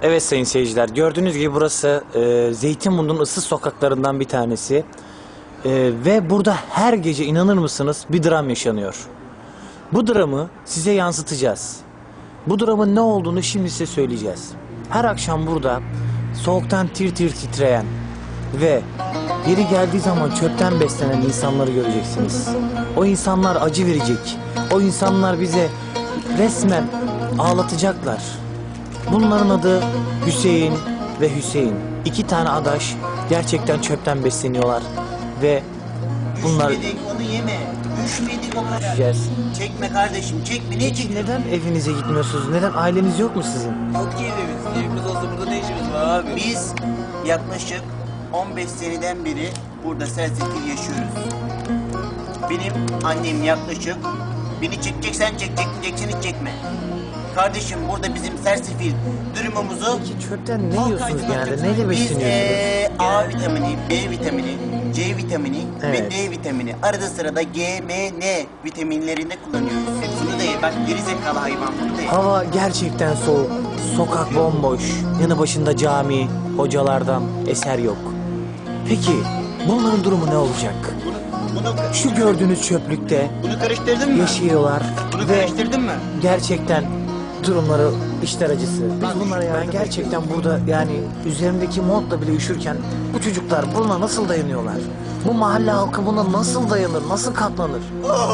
Evet sayın seyirciler, gördüğünüz gibi burası Zeytinburnu'nun ıssız sokaklarından bir tanesi. Ve burada her gece inanır mısınız bir dram yaşanıyor. Bu dramı size yansıtacağız. Bu dramın ne olduğunu şimdi size söyleyeceğiz. Her akşam burada soğuktan tir tir titreyen ve yeri geldiği zaman çöpten beslenen insanları göreceksiniz. O insanlar acı verecek. O insanlar bize resmen ağlatacaklar. Bunların adı Hüseyin ve Hüseyin. İki tane adaş gerçekten çöpten besleniyorlar ve bunlar... Üşmedik, onu yeme. Üşmedik o kadar. Yiyeceğiz. Çekme kardeşim, çekme. Ne Peki çekiyorsun? neden evinize gitmiyorsunuz? Neden aileniz yok mu sizin? Yok ki evimiz. Evimiz olsa burada ne işimiz var abi? Biz yaklaşık 15 seneden beri burada sersefil yaşıyoruz. Benim annem yaklaşık, beni çekeceksen çek, çekmeyeceksen hiç çekme. Kardeşim burada bizim sersefil durumumuzu... Peki çöpten ne yiyorsunuz genelde? Neyle Biz besleniyorsunuz? A vitamini, B vitamini, C vitamini Evet. ve D vitamini. Arada sırada G, M, N vitaminlerinde kullanıyoruz. Bunu da ye. Bak gerizekalı hayvan bunu da ye. Hava gerçekten soğuk. Sokak bomboş. Yanı başında cami, hocalardan eser yok. Peki bunların durumu ne olacak? Şu gördüğünüz çöplükte Bunu karıştırdın mı? yaşıyorlar Bunu ve karıştırdın mı? gerçekten durumları işler acısı. Biz bunlara ben gerçekten burada yani üzerimdeki montla bile üşürken bu çocuklar buna nasıl dayanıyorlar? Bu mahalle halkı buna nasıl dayanır, nasıl katlanır?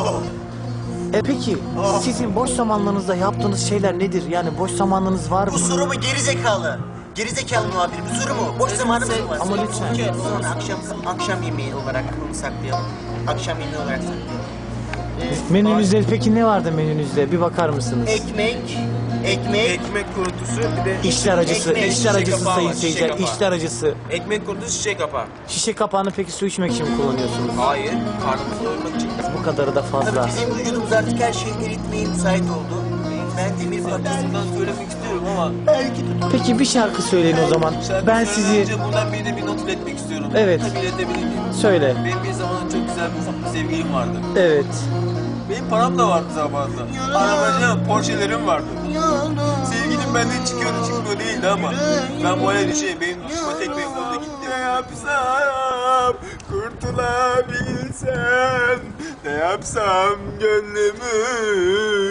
Peki sizin boş zamanlarınızda yaptığınız şeyler nedir? Yani boş zamanlarınız var mı? Bu soru mu gerizekalı? Gerizekalı muhabir bu soru mu? Boş zamanımız mı var? Ama lütfen. Sonra akşam yemeği olarak bunu saklayalım. Akşam yemeği olarak saklayalım. Menünüzde peki ne vardı menünüzde? Bir bakar mısınız? Ekmek. Ekmek kurutusu bir de İşler acısı, Ekmek, işler şişe acısı kapağı sayın var, şişe seyirciler, kapağı. işler acısı. ekmek kurutusu şişe kapağı. Şişe kapağını peki su içmek için mi kullanıyorsunuz? Hayır, karnımızı doyurmak için. Bu kadarı da fazla. Tabii bizim vücudumuz artık her şeyi eritmeye müsait oldu. Ben demir parçası. Bundan söylemek istiyorum ama Belki Peki bir şarkı söyleyin o zaman. şarkı Ben söyleden sizi... önce buradan birine bir not iletmek istiyorum. Evet. Tabii iletebilir miyim? Söyle. Benim bir zaman çok güzel bir sevgilim vardı. Evet. Benim param da vardı zamanında. Arabacı, Porsche'lerim vardı. Sevgilim benden çıkıyordu çıkmıyor değildi ama ben bu hale düşeyim benim düşme tek benim orada gitti. Ne yapsam kurtulabilsem, ne yapsam gönlümü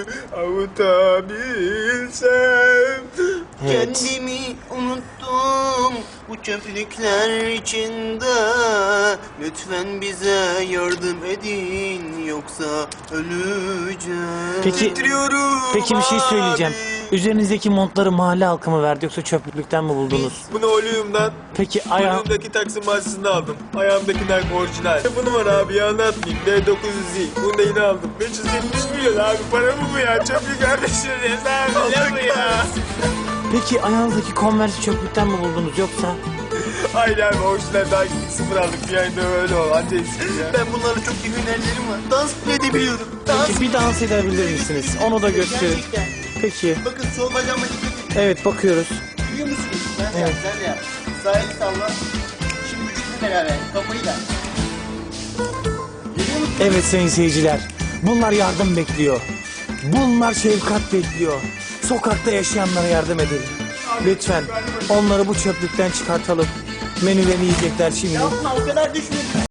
avutabilsem. Evet. Kendimi unuttum bu çöplükler içinde. Lütfen bize yardım edin yoksa öleceğim. Peki bir şey söyleyeceğim. Üzerinizdeki montları mahalle halkı mı verdi yoksa çöplükten mi buldunuz? Bunu Oleum'dan, Peki ayağım... Oleum'daki Taksim Mahallesi'nde aldım. Ayağımdakiler orijinal. Bunu var abi ya anlatmayayım. D900Z. Bunu da yine aldım. 570 milyon abi. Para mı bu ya? Çöplük kardeşim ya. Ne bu ya? Peki ayağınızdaki Converse çöplükten mi buldunuz yoksa? Hayır abi orijinal daha sıfır aldık. Bir ayda öyle ol. Anca istedim ya. Ben bunlarla çok iyi hünerlerim var. Dans bile edebiliyorum. Dans. Peki bir dans edebilir misiniz? Onu da gösterin. Gerçekten. Peki. Bakın sol bacağıma dikkat edin. Evet bakıyoruz. Biliyor musunuz? Sen de yap, sen de yap. Sağ eli salla. Şimdi vücutla beraber, kafayı da. Görüyor musun? Evet sayın seyirciler. Bunlar yardım bekliyor. Bunlar şefkat bekliyor. Sokakta yaşayanlara yardım edin. Lütfen onları bu çöplükten çıkartalım. Menülerini yiyecekler şimdi. Yapma o kadar düşmedi.